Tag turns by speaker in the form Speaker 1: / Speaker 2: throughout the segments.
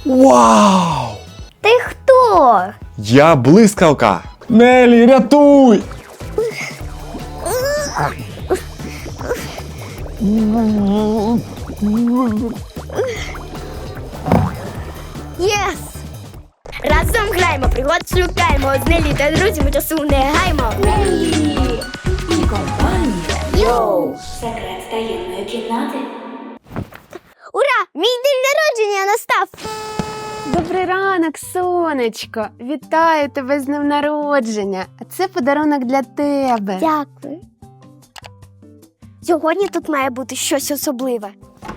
Speaker 1: Вау!
Speaker 2: Ти хто?
Speaker 1: Я блискавка! Нелі, рятуй!
Speaker 2: Єс! Разом граємо, пригод шукаємо. З Нелі та друзями часу не гаймо.
Speaker 3: Нелі і компанія. Йоу! Секрет таємної кімнати.
Speaker 2: Ура! Мій день народження настав!
Speaker 4: Добрий ранок, сонечко! Вітаю тебе з днем народження! А це подарунок для тебе.
Speaker 2: Дякую. Сьогодні тут має бути щось особливе.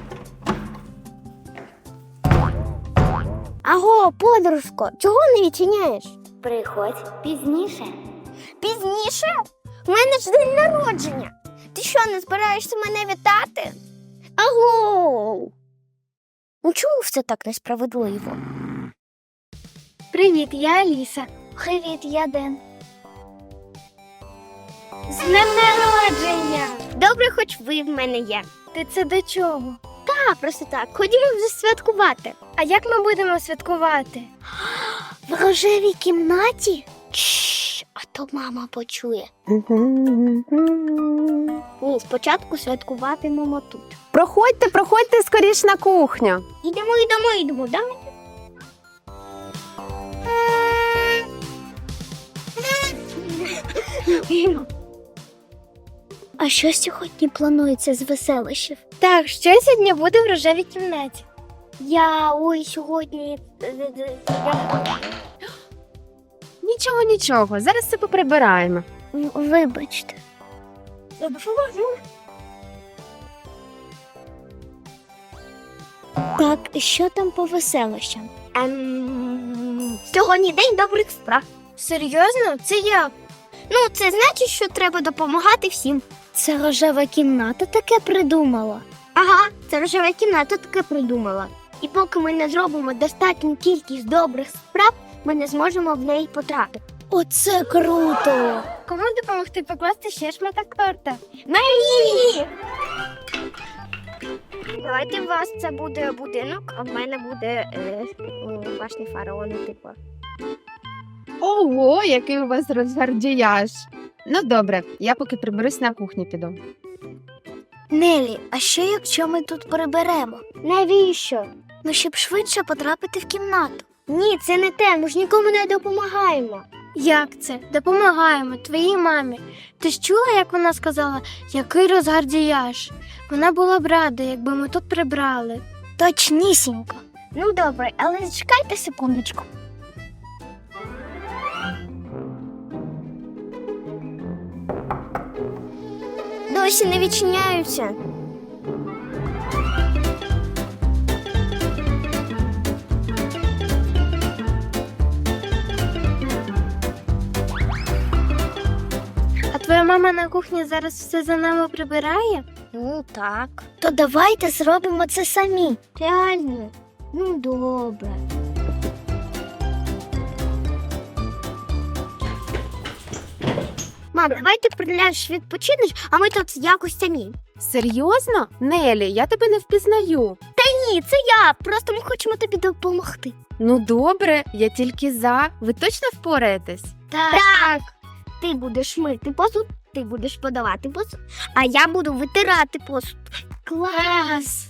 Speaker 2: Аго, подружко, чого не відчиняєш?
Speaker 3: Приходь пізніше.
Speaker 2: Пізніше? У мене ж день народження. Ти що, не збираєшся мене вітати? Аго! Ну чому все так несправедливо? Привіт, я Аліса. Привіт, я Ден. З днем народження! Добре, хоч ви в мене є. Ти це до чого? Так, просто так. Ходімо вже святкувати. А як ми будемо святкувати? В рожевій кімнаті? Чш, а то мама почує. Ні, спочатку святкуватимемо тут.
Speaker 4: Проходьте скоріш на кухню.
Speaker 2: Йдемо, да? А що сьогодні планується з веселищів? Так, що сьогодні буде в рожевій кімнаті? Сьогодні...
Speaker 4: Нічого, зараз все поприбираємо.
Speaker 2: Вибачте. Так, що там по веселищам? Сьогодні день добрих справ. Серйозно? Це як? Ну, це значить, що треба допомагати всім. Це рожева кімната таке придумала. Ага, це рожева кімната таке придумала. І поки ми не зробимо достатню кількість добрих справ, ми не зможемо в неї потрапити. Оце круто! Кому допомогти покласти ще шматок торта? Мені! Давайте у вас це буде будинок, а в мене буде башня фараона, типу.
Speaker 4: Ого, який у вас розгардіяж. Ну добре, я поки приберусь на кухню піду.
Speaker 2: Нелі, а що якщо ми тут приберемо? Навіщо? Ну, щоб швидше потрапити в кімнату. Ні, це не те, ми ж нікому не допомагаємо. Як це? Допомагаємо твоїй мамі. Ти ж чула, як вона сказала, який розгардіяж? Вона була б рада, якби ми тут прибрали. Точнісінько. Ну добре, але чекайте секундочку. Досі не відчиняються. А твоя мама на кухні зараз все за нами прибирає? Ну так. То давайте зробимо це самі. Реально? Ну добре. Мам, давай ти приляж відпочинеш, а ми тут якось самі.
Speaker 4: Серйозно? Нелі, я тебе не впізнаю.
Speaker 2: Ні, це я. Просто ми хочемо тобі допомогти.
Speaker 4: Ну добре, я тільки за. Ви точно впораєтесь?
Speaker 2: Так. Ти будеш мити посуд, ти будеш подавати посуд, а я буду витирати посуд. Клас!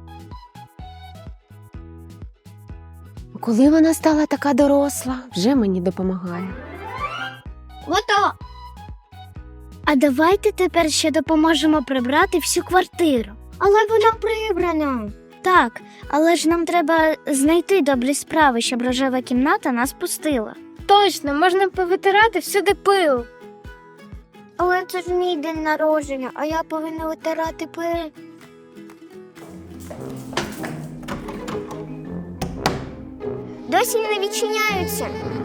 Speaker 4: Коли вона стала така доросла, вже мені допомагає.
Speaker 2: Готово! А давайте тепер ще допоможемо прибрати всю квартиру. Але вона прибрана. Так, але ж нам треба знайти добрі справи, щоб рожева кімната нас пустила. Точно, можна повитирати всюди пил. Але це ж мій день народження, а я повинна витирати пил. Досі не відчиняються.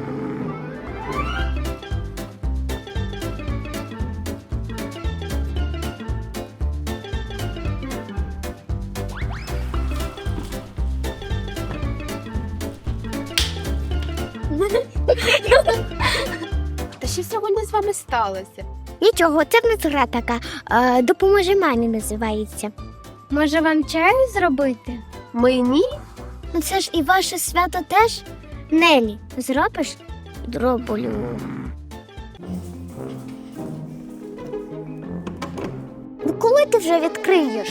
Speaker 4: Та що сьогодні з вами сталося?
Speaker 2: Нічого, це в нас гра така. Допоможи мамі називається. Може, вам чаю зробити?
Speaker 4: Мені?
Speaker 2: Ну це ж і ваше свято теж? Нелі, зробиш? Зроблю. Ну коли ти вже відкриєш?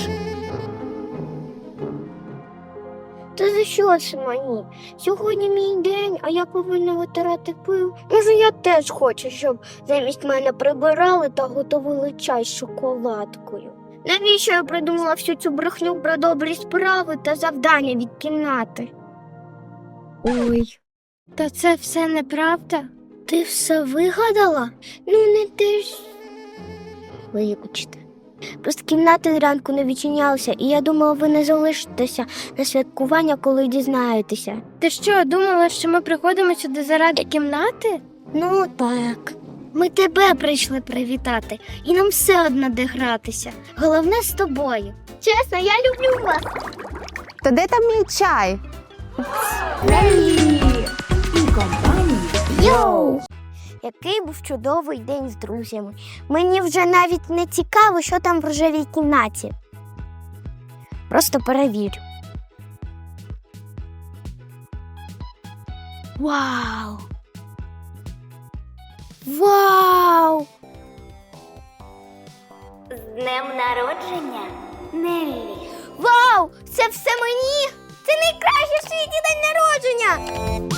Speaker 2: Та за що це мені? Сьогодні мій день, а я повинна витирати пил. Може, я теж хочу, щоб замість мене прибирали та готували чай з шоколадкою. Навіщо я придумала всю цю брехню про добрі справи та завдання від кімнати? Ой, та це все неправда? Ти все вигадала? Ну, не ти ж. Вибачте. Просто кімнати зранку не відчинялися, і я думала, ви не залишитеся на святкування, коли дізнаєтеся. Ти що, думала, що ми приходимо сюди заради кімнати? Ну так. Ми тебе прийшли привітати, і нам все одно де гратися. Головне з тобою. Чесно, я люблю вас.
Speaker 4: То де там мій чай?
Speaker 3: Нелі і компанія.
Speaker 2: Йоу! Який був чудовий день з друзями. Мені вже навіть не цікаво, що там в рожевій кімнаті. Просто перевірю. Вау! Вау!
Speaker 3: З днем народження, Неллі.
Speaker 2: Вау! Це все мені! Це найкращий в світі день народження!